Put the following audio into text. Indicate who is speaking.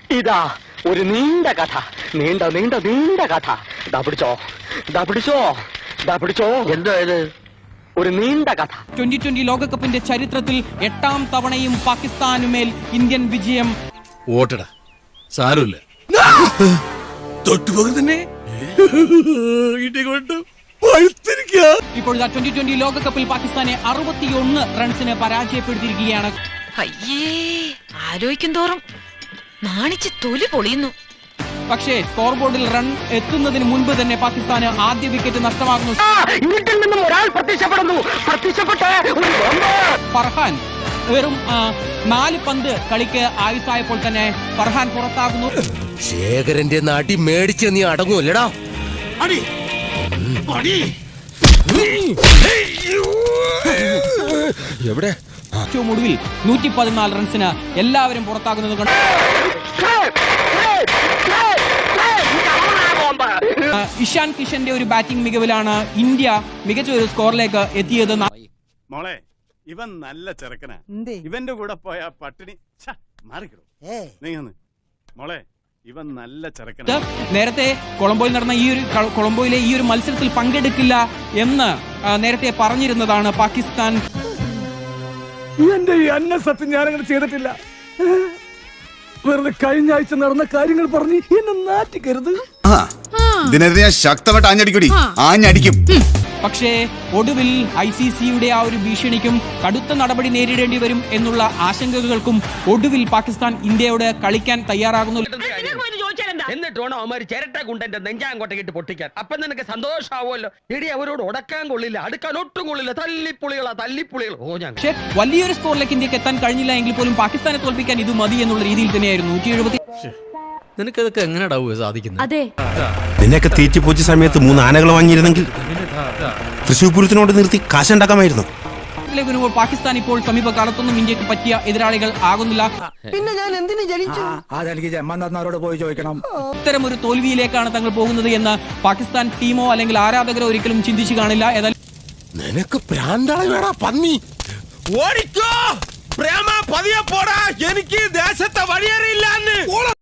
Speaker 1: ഇതാ ഒരു നീണ്ട കഥ, നീണ്ട നീണ്ട നീണ്ട കഥ. ദാ പിടിച്ചോ. എന്തോ ഇത്? ഒരു നീണ്ട കഥ.
Speaker 2: 2020 ലോകകപ്പിന്റെ ചരിത്രത്തിൽ 8ാം തവണയും പാകിസ്ഥാനുമേൽ ഇന്ത്യൻ വിജയം.
Speaker 3: ഓട്ടടാ, സാരമില്ല.
Speaker 2: ഇപ്പോൾ 2020 ലോകകപ്പിൽ പാകിസ്ഥാനെ 61 റൺസിന് പരാജയപ്പെടുത്തിയിരിക്കുകയാണ്.
Speaker 4: അയ്യേ, ആലോചിക്കും തോറും നാണിച്ച് തൊലി പൊളിയുന്നു.
Speaker 2: പക്ഷേ സ്കോർ ബോർഡിൽ റൺ എത്തുന്നതിന് മുൻപ് തന്നെ പാകിസ്ഥാന് ആദ്യ വിക്കറ്റ് നഷ്ടമാകുന്നു.
Speaker 1: വീട്ടിൽ നിന്നും ഒരാൾ
Speaker 2: ഫർഹാൻ വെറും 4 പന്ത് കളിക്ക് ആയുസായപ്പോൾ തന്നെ ഫർഹാൻ പുറത്താകുന്നു.
Speaker 5: ശേഖരന്റെ നാട്ടി മേടിച്ച് നീ അടങ്ങൂല്ലടാ. എവിടെ
Speaker 2: ഏറ്റവും ഒടുവിൽ 114 റൺസിന് എല്ലാവരും പുറത്താകുന്നത് കൊണ്ട് ഇഷാൻ കിഷന്റെ ഒരു ബാറ്റിംഗ് മികവിലാണ് ഇന്ത്യ മികച്ച ഒരു സ്കോറിലേക്ക് എത്തിയത്.
Speaker 6: മോളെ, ഇവൻ നല്ല ചെറുക്കനാ. ഇവന്റെ കൂടെ പോയ പട്ടിണി മാറിക്കിടും. മോളെ, ഇവൻ നല്ല ചെറുക്കനാ.
Speaker 2: നേരത്തെ കൊളംബോയിലെ ഈ ഒരു മത്സരത്തിൽ പങ്കെടുക്കില്ല എന്ന് നേരത്തെ പറഞ്ഞിരുന്നതാണ് പാകിസ്ഥാൻ.
Speaker 7: എന്റെ ഈ അന്നസത്യം ഞാനങ്ങനെ ചെയ്തിട്ടില്ല. വെറുതെ കഴിഞ്ഞ ആഴ്ച നടന്ന കാര്യങ്ങൾ പറഞ്ഞ് എന്നെ നാറ്റിക്കരുത്.
Speaker 8: ഇതിനെതിരെ ഞാൻ ശക്തമായിട്ട് ആഞ്ഞടിക്കും.
Speaker 2: പക്ഷേ ഒടുവിൽ ICCയുടെ ആ ഒരു ഭീഷണിക്കും കടുത്ത നടപടി നേരിടേണ്ടി വരും എന്നുള്ള ആശങ്കകൾക്കും ഒടുവിൽ പാകിസ്ഥാൻ ഇന്ത്യയോട് കളിക്കാൻ തയ്യാറാകുന്നു.
Speaker 9: എന്നിട്ട് വേണം അവന്മാര് ചിരട്ട കുണ്ടന്റെ നെഞ്ചാങ്കോട്ടേക്കിട്ട് പൊട്ടിക്കാൻ. അപ്പൊ നിനക്ക് സന്തോഷമാവുമല്ലോ. എടി, അവരോട് ഉടക്കാൻ കൊള്ളില്ല, അടുക്കാൻ ഒട്ടും കൊള്ളില്ല. തല്ലിപ്പുളികൾ.
Speaker 2: പക്ഷേ വലിയൊരു സ്കോറിലേക്ക് ഇന്ത്യക്ക് എത്താൻ കഴിഞ്ഞില്ല എങ്കിൽ പോലും പാകിസ്ഥാനെ തോൽപ്പിക്കാൻ ഇത് മതി എന്നുള്ള രീതിയിൽ തന്നെയായിരുന്നു 170.
Speaker 5: നിനക്കതൊക്കെ എങ്ങനെയാ സാധിക്കുന്നത്?
Speaker 4: അതെ,
Speaker 10: നിന്നെയൊക്കെ തീറ്റിപ്പോച്ച സമയത്ത് 3 ആനകൾ വാങ്ങിയിരുന്നെങ്കിൽ തൃശ്ശൂർ പൂരത്തിനോട് നിർത്തി കാശുണ്ടാക്കാമായിരുന്നു.
Speaker 2: പാകിസ്ഥാൻ ഇപ്പോൾ സമീപകാലത്തൊന്നും ഇന്ത്യക്ക് പറ്റിയ എതിരാളികൾ ആകുന്നില്ല.
Speaker 7: പിന്നെ ഞാൻ എന്തിനു ജനിച്ചു? അതെനിക്ക് ജന്മനാഥനോട് പോയി ചോദിക്കണം.
Speaker 2: ഇത്തരം ഒരു തോൽവിയിലേക്കാണ് തങ്ങൾ പോകുന്നത് എന്ന് പാകിസ്ഥാൻ ടീമോ അല്ലെങ്കിൽ ആരാധകരോ ഒരിക്കലും ചിന്തിച്ചു കാണില്ല. ഏതായാലും
Speaker 5: നിനക്ക് പ്രാന്താളി വേടാ പന്നി. ഓടിക്കോ പ്രേമ, പതിയെ പോടാ. എനിക്ക് ദേശത്തെ വഴിയേറിയില്ല.